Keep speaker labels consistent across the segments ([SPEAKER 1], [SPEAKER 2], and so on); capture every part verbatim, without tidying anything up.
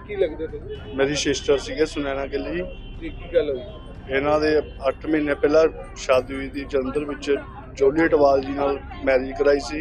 [SPEAKER 1] ਕੀ ਲੱਗਦੇ ਤੁਸੀਂ?
[SPEAKER 2] ਮੇਰੀ ਸਿਸਟਰ ਸੀਗੇ ਸੁਨੈਣਾ ਗਿੱਲ ਜੀ।
[SPEAKER 1] ਕੀ ਕੀ ਗੱਲ ਹੋਈ?
[SPEAKER 2] ਇਹਨਾਂ ਦੇ ਅੱਠ ਮਹੀਨੇ ਪਹਿਲਾਂ ਸ਼ਾਦੀ ਹੋਈ ਸੀ ਜਲੰਧਰ ਵਿੱਚ, ਜੋਲੀ ਅਟਵਾਲ ਜੀ ਨਾਲ ਮੈਰਿਜ ਕਰਾਈ ਸੀ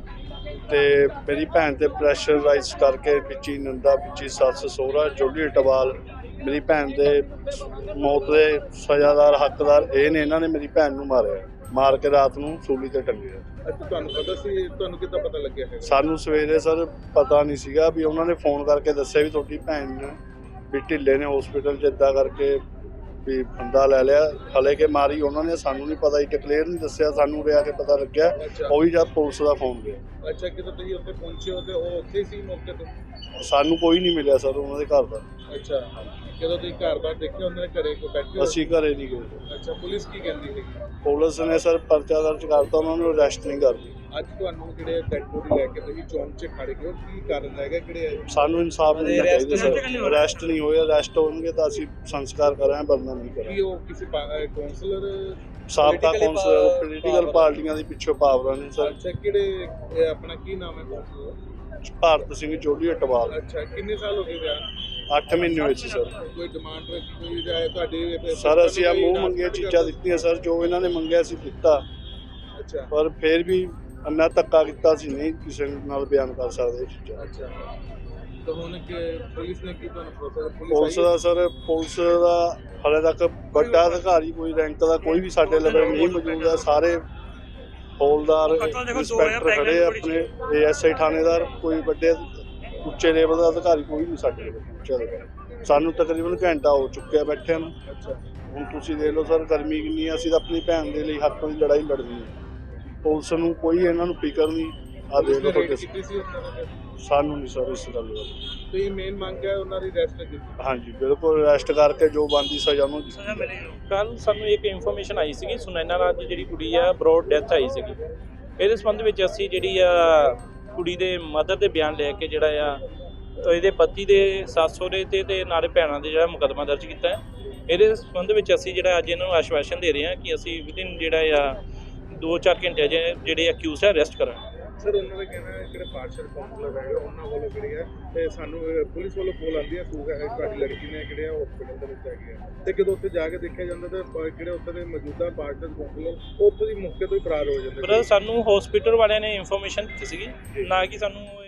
[SPEAKER 2] ਤੇ ਮੇਰੀ ਭੈਣ ਤੇ ਪ੍ਰੈਸ਼ਰ ਰਾਈਜ਼ ਕਰਕੇ ਵਿੱਚੀ ਨੰਦਾ ਵਿੱਚੀ ਸੱਸ ਸਹੁਰਾ ਜੋਲੀ ਅਟਵਾਲ ਮੇਰੀ ਭੈਣ ਦੇ ਮੌਤ ਦੇ ਸਜ਼ਾਦਾਰ ਹੱਕਦਾਰ ਇਹ ਨੇ। ਇਹਨਾਂ ਨੇ ਮੇਰੀ ਭੈਣ ਨੂੰ ਮਾਰਿਆ, ਮਾਰ ਕੇ ਰਾਤ ਨੂੰ ਸੂਲੀ ਤੇ ਟੰਗਿਆ।
[SPEAKER 1] ਅੱਛਾ, ਤੁਹਾਨੂੰ ਪਤਾ ਸੀ? ਤੁਹਾਨੂੰ ਕਿੱਦਾਂ ਪਤਾ ਲੱਗਿਆ ਹੈ?
[SPEAKER 2] ਸਾਨੂੰ ਸਵੇਰੇ ਸਰ ਪਤਾ ਨਹੀਂ ਸੀਗਾ, ਵੀ ਉਹਨਾਂ ਨੇ ਫੋਨ ਕਰਕੇ ਦੱਸਿਆ ਵੀ ਤੁਹਾਡੀ ਭੈਣ ਨੇ ਵੀ ਢਿੱਲੇ ਨੇ ਹਸਪੀਟਲ 'ਚ, ਇੱਦਾਂ ਕਰਕੇ ਵੀ ਬੰਦਾ ਲੈ ਲਿਆ। ਹਲੇ ਕੇ ਮਾਰੀ ਉਹਨਾਂ ਨੇ, ਸਾਨੂੰ ਨਹੀਂ ਪਤਾ, ਇੱਕ ਕਲੀਅਰ ਨਹੀਂ ਦੱਸਿਆ ਸਾਨੂੰ, ਰਿਹਾ ਕੇ ਪਤਾ ਲੱਗਿਆ ਉਹ ਵੀ ਜਦ ਪੁਲਿਸ ਦਾ ਫੋਨ ਗਿਆ।
[SPEAKER 1] ਅੱਛਾ, ਕਿਦੋਂ ਤੁਸੀਂ ਉੱਥੇ ਪਹੁੰਚੇ ਹੋ ਤੇ ਉਹ ਉੱਥੇ ਸੀ ਮੌਕੇ ਤੇ?
[SPEAKER 2] ਸਾਨੂੰ ਕੋਈ ਨਹੀਂ ਮਿਲਿਆ ਸਰ ਉਹਨਾਂ ਦੇ ਘਰ ਦਾ।
[SPEAKER 1] ਅੱਛਾ, ਜਦੋਂ ਤੁਸੀਂ ਘਰ ਬਾਹਰ ਦੇਖਿਆ ਉਹਨਾਂ ਦੇ ਘਰੇ ਕੋਈ ਬੈਠੇ ਹੋ?
[SPEAKER 2] ਅਸੀਂ ਘਰੇ ਨਹੀਂ ਗਏ।
[SPEAKER 1] ਅੱਛਾ, ਪੁਲਿਸ ਕੀ ਕਹਿੰਦੀ ਸੀ?
[SPEAKER 2] ਪੁਲਿਸ ਨੇ ਸਰ ਪਰਚਾ ਦਰਜ ਕਰਤਾ, ਉਹਨਾਂ ਨੂੰ ਅਰੈਸਟ ਨਹੀਂ ਕਰਦੀ।
[SPEAKER 1] ਅੱਜ ਤੁਹਾਨੂੰ ਜਿਹੜੇ ਡੈਡ ਬੋਡੀ ਲੈ ਕੇ ਤੁਸੀਂ ਚੌਂਕ 'ਚ ਖੜੇ ਹੋ, ਕੀ ਕਾਰਨ ਹੈਗਾ? ਕਿਹੜੇ
[SPEAKER 2] ਸਾਨੂੰ ਇਨਸਾਫ ਮਿਲਣਾ ਚਾਹੀਦਾ ਸਰ। ਅਰੈਸਟ ਨਹੀਂ ਹੋਏ, ਅਰੈਸਟ ਹੋਣਗੇ ਤਾਂ ਅਸੀਂ ਸੰਸਕਾਰ ਕਰਾਂਗੇ, ਵਰਨਾ ਨਹੀਂ
[SPEAKER 1] ਕੀ
[SPEAKER 2] ਕਰਾਂਗੇ।
[SPEAKER 1] ਉਹ ਕਿਸੇ ਕਾਉਂਸਲਰ
[SPEAKER 2] ਸਾਬਕਾ ਕੌਂਸਲਰ ਪੋਲੀਟੀਕਲ ਪਾਰਟੀਆਂ ਦੇ ਪਿੱਛੇ ਪਾਵਰਾਂ ਨੇ ਸਰ।
[SPEAKER 1] ਅੱਛਾ, ਕਿਹੜੇ ਇਹ ਆਪਣਾ ਕੀ ਨਾਮ ਹੈ ਕਾਉਂਸਲਰ?
[SPEAKER 2] ਭਾਰਤ ਸਿੰਘ ਜੋਲੀ ਅਟਵਾਲ।
[SPEAKER 1] ਅੱਛਾ, ਕਿੰਨੇ ਸਾਲ ਹੋ ਗਏ ਵਿਆਹ?
[SPEAKER 2] ਅੱਠ ਮਹੀਨੇ ਹੋਏ ਸੀ ਸਰ।
[SPEAKER 1] ਕੋਈ ਡਿਮਾਂਡ ਰੱਖੀ ਕੋਈ ਜਾਏ ਤੁਹਾਡੀ?
[SPEAKER 2] ਸਰ ਅਸੀਂ ਆ ਮੂੰਹ ਮੰਗੀਆਂ ਚੀਜ਼ਾਂ ਦਿੱਤੀਆਂ ਸਰ, ਜੋ ਇਹਨਾਂ ਨੇ ਮੰਗਿਆ ਸੀ ਦਿੱਤਾ,
[SPEAKER 1] ਅੱਛਾ
[SPEAKER 2] ਪਰ ਫਿਰ ਵੀ ਇੰਨਾ ਧੱਕਾ ਕੀਤਾ ਸੀ, ਨਹੀਂ ਕਿਸੇ ਨਾਲ ਬਿਆਨ ਕਰ ਸਕਦੇ ਇਹ ਚੀਜ਼ਾਂ।
[SPEAKER 1] ਅੱਛਾ, ਤਾਂ ਹੁਣ ਕਿ ਪੁਲਿਸ ਨੇ ਕੀ ਤੁਹਾਨੂੰ ਭਰੋਸਾ?
[SPEAKER 2] ਪੁਲਿਸ ਦਾ ਸਰ, ਪੁਲਿਸ ਦਾ ਹਾਲੇ ਤੱਕ ਵੱਡਾ ਅਧਿਕਾਰੀ ਕੋਈ ਰੈਂਕ ਦਾ ਕੋਈ ਵੀ ਸਾਡੇ ਲਵੇ ਨਹੀਂ ਮੌਜੂਦ ਹੈ। ਸਾਰੇ ਹੌਲਦਾਰ ਇੰਸਪੈਕਟਰ ਖੜੇ ਆ, ਆਪਣੇ ਏ ਐਸ ਆਈ ਥਾਣੇਦਾਰ, ਕੋਈ ਵੱਡੇ ਉੱਚੇ ਲੈਵਲ ਦਾ ਅਧਿਕਾਰੀ ਕੋਈ ਨਹੀਂ ਸਾਡੇ ਕੋਲ ਪਹੁੰਚਿਆ। ਸਾਨੂੰ ਤਕਰੀਬਨ ਘੰਟਾ ਹੋ ਚੁੱਕਿਆ ਬੈਠਿਆਂ ਨੂੰ।
[SPEAKER 1] ਅੱਛਾ,
[SPEAKER 2] ਹੁਣ ਤੁਸੀਂ ਦੇਖ ਲਓ ਸਰ, ਗਰਮੀ ਕਿੰਨੀ ਆ, ਅਸੀਂ ਤਾਂ ਆਪਣੀ ਭੈਣ ਦੇ ਲਈ ਹੱਕ ਦੀ ਲੜਾਈ ਲੜਨੀ ਹੈ। ਪੁਲਿਸ ਨੂੰ ਕੋਈ ਇਹਨਾਂ ਨੂੰ ਫਿਕਰ ਨਹੀਂ। ਆ ਦੇਖ ਲਓ ਤੁਹਾਡੇ
[SPEAKER 1] ਕੀਤੀ ਸੀ ਉਹਨਾਂ ਨੇ?
[SPEAKER 2] ਸਾਨੂੰ ਨਹੀਂ ਸਰ ਇਸ ਗੱਲ ਦਾ।
[SPEAKER 1] ਤੇ ਇਹ ਮੇਨ ਮੰਗ ਹੈ ਉਹਨਾਂ ਦੀ ਰੈਸਟ ਕੀਤੀ?
[SPEAKER 2] ਹਾਂਜੀ ਬਿਲਕੁਲ, ਅਰੈਸਟ ਕਰਕੇ ਜੋ ਬਣਦੀ ਸਜ਼ਾ ਨੂੰ ਦਿੱਤੀ ਜਾਵੇ।
[SPEAKER 3] ਕੱਲ ਸਾਨੂੰ ਇੱਕ ਇਨਫੋਰਮੇਸ਼ਨ ਆਈ ਸੀਗੀ, ਸੁਨੈਨਾ ਰਾਜ ਦੀ ਜਿਹੜੀ ਕੁੜੀ ਆ ਬਰੋਡ ਡੈਥ ਆਈ ਸੀਗੀ। ਇਹਦੇ ਸੰਬੰਧ ਵਿੱਚ ਅਸੀਂ ਜਿਹੜੀ ਆ ਕੁੜੀ ਦੇ ਮਦਰ ਦੇ ਬਿਆਨ ਲੈ ਕੇ ਜਿਹੜਾ ਆ ਇਹਦੇ ਪਤੀ ਦੇ ਸੱਸ ਸਹੁਰੇ ਤੇ ਤੇ ਨਾਲੇ ਭੈਣਾਂ ਦੇ ਜਿਹੜਾ ਮੁਕੱਦਮਾ ਦਰਜ ਕੀਤਾ ਹੈ। ਇਹਦੇ ਸੰਬੰਧ ਵਿੱਚ ਅਸੀਂ ਜਿਹੜਾ ਅੱਜ ਇਹਨਾਂ ਨੂੰ ਆਸ਼ਵਾਸਨ ਦੇ ਰਹੇ ਹਾਂ ਕਿ ਅਸੀਂ ਵਿਦਿਨ ਜਿਹੜਾ ਆ ਦੋ ਚਾਰ ਘੰਟੇ ਜਿਹੜੇ ਅਕਿਊਜ਼ ਹੈ ਅਰੈਸਟ ਕਰਾਂਗੇ।
[SPEAKER 1] ਸਰ, ਉਹਨਾਂ ਦਾ ਕਹਿਣਾ ਹੈ ਜਿਹੜੇ ਪਾਰਸ਼ਲ ਕਾਉਂਸਲਰ ਹੈਗੇ ਉਹਨਾਂ ਵੱਲੋਂ ਜਿਹੜੀ ਹੈ ਤੇ ਸਾਨੂੰ ਪੁਲਿਸ ਵੱਲੋਂ ਕੋਲ ਆਉਂਦੀ ਹੈ ਸੂਗ ਹੈ ਤੁਹਾਡੀ ਲੜਕੀ ਨੇ ਜਿਹੜੇ ਹਸਪੀਟਲ ਦੇ ਵਿੱਚ ਹੈਗੇ ਆ, ਤੇ ਜਦੋਂ ਉੱਥੇ ਜਾ ਕੇ ਦੇਖਿਆ ਜਾਂਦਾ ਤਾਂ ਜਿਹੜੇ ਉੱਥੇ ਦੇ ਮੌਜੂਦਾ ਪਾਰਸ਼ਲ ਕਾਉਂਸਲਰ ਉੱਥੋਂ ਦੀ ਮੌਕੇ ਤੋਂ ਹੀ ਫਰਾਰ ਹੋ ਜਾਂਦੇ।
[SPEAKER 3] ਪਰ ਸਾਨੂੰ ਹਸਪੀਟਲ ਵਾਲਿਆਂ ਨੇ ਇਨਫੋਰਮੇਸ਼ਨ ਦਿੱਤੀ ਸੀਗੀ, ਨਾ ਕਿ ਸਾਨੂੰ